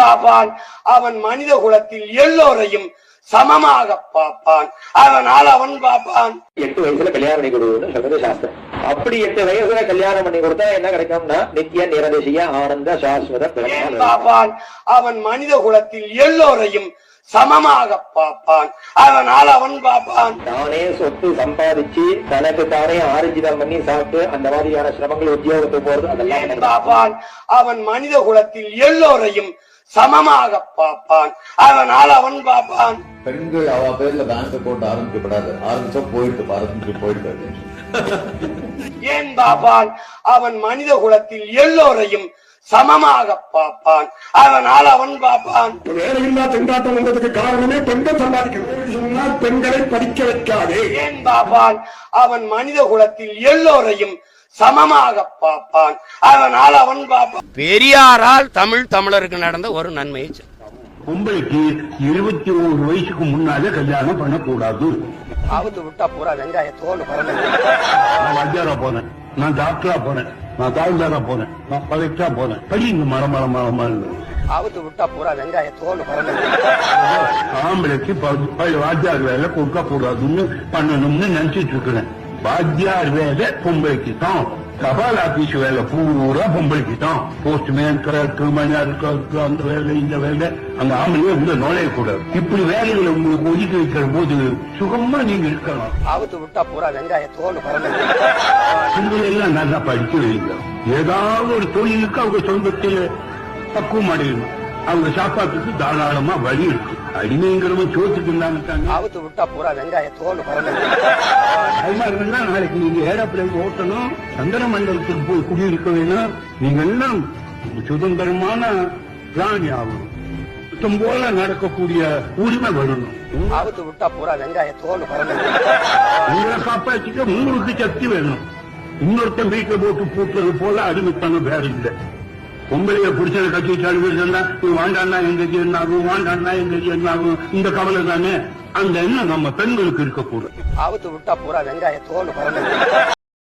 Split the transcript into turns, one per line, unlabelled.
பாப்பான் அவன் மனித குலத்தில் எல்லோரையும் சமமாக பார்ப்பான். அதனால் அவன் பார்ப்பான்.
8 வயசுல கல்யாணம் பண்ணி கொடுக்கணும்னு சொல்றது சாஸ்திரம். அப்படி 8 வயசுல கல்யாணம் பண்ணி கொடுத்தா என்ன கிடைக்கும்னா நித்திய நிரதிசிய ஆனந்த சாஸ்வத
பார்ப்பான். அவன் மனித குலத்தில் எல்லோரையும் சமமாக பார்ப்பான். அதனால் அவன் பார்ப்பான்.
தானே சொத்து சம்பாதிச்சு தனக்கு தானே ஆர்ஜிதம் பண்ணி சாப்பிட்டு அந்த மாதிரியான சிரமங்கள் உத்தியோகத்துக்கு போறது அதெல்லாம்
பார்ப்பான். அவன் மனித குலத்தில் எல்லோரையும் சமமாக பார்ப்பான். அதனால் அவன் பார்ப்பான்.
பெண்கள் அவ பேர்ல பேங்க் அக்கௌண்ட் ஆரம்பிக்கப்படாது, ஆரம்பிச்சா போயிட்டு
ஏன் பார்ப்பான். அவன் மனித குலத்தில் எல்லோரையும் சமமாக பார்ப்பான். அதனால் அவன் பார்ப்பான்.
வேலையில்லா திண்டாட்டம் வந்ததுக்கு காரணமே பெண்கள் சம்பாதிக்கிறது சொன்னால் பெண்களை படிக்க வைக்காதே.
ஏன் பார்ப்பான். அவன் மனித குலத்தில் எல்லோரையும் சமமாக பார்ப்பான். அதனால் அவன் பார்ப்பான். பெரியாரால் தமிழருக்கு நடந்த ஒரு நன்மையை
பொம்பளைக்கு 21 வயசுக்கு முன்னாலே கல்யாணம் பண்ணக்கூடாது.
அவுத்து விட்டா பூரா வெங்காய தோல் பறந்து.
நான் வாத்தியாரா போனேன், நான் டாக்டரா போனேன், நான் தாழ்ந்தாரா போனேன், நான் கலெக்டரா போனேன். படிங்க மரமரமா
அவுத்து விட்டா பூரா வெங்காய தோல் பறந்து.
ஆம்பளைக்கு வாத்தியார் வேலை கொடுக்க கூடாதுன்னு பண்ணணும்னு நினைச்சிட்டு இருக்கிறேன். வாத்தியார் வேலை பொம்பளைக்கு தான், தபால் ஆபீஸ் வேலை பூரா பொம்பளைக்கு தான். போஸ்ட்மேன், கிளர்க்கு, மணியாருக்கு, அந்த வேலை இந்த வேலை அந்த ஆம்பளையே உள்ள நுழையக்கூடாது. இப்படி வேலைகளை உங்களுக்கு ஒதுக்கி வைக்கிற போது சுகமா நீங்க இருக்கலாம்.
அவுத்து விட்டா பூரா வெங்காய தோல் பறந்து.
பெண்கள் எல்லாம் நல்லா படிக்க வைங்க. ஏதாவது ஒரு தொழிலுக்கு அவங்க சொந்தத்தில் பக்குவம் அடையணும். அவங்க சாப்பாட்டுக்கு தாராளமா வழி இருக்கு. அடிமைங்கிறவங்க சோத்துக்கு இருந்தாங்க.
அவுத்து விட்டா பூரா வெங்காய தோல் பறந்து.
நாளைக்கு நீங்க ஏரோப்ளேன் ஓட்டணும், சந்திர மண்டலத்துக்கு போய் குடியிருக்க வேணும். நீங்க எல்லாம் சுதந்திரமான பிராணி ஆகணும். சுத்தம் போல நடக்கக்கூடிய உரிமை வரணும்.
அவுத்து விட்டா பூரா வெங்காய தோல் பறந்து.
உங்களை காப்பாற்றிக்க உங்களுக்கு சக்தி வேணும். இன்னொருத்தன் வீட்டை போட்டு பூட்டுறது போல அடிமைத்தனம் வேற இல்லை. பொம்பளைய புடிச்சத கட்சி சாடுவா வாண்டான்னா எங்க என்ன ஆகும், வாண்டான்னா எங்க என்ன ஆகும், இந்த கவலை தானே. அந்த எண்ணம் நம்ம பெண்களுக்கு இருக்கக்கூடாது.
அவுத்து விட்டா பூரா வெங்காய தோல் பறந்து.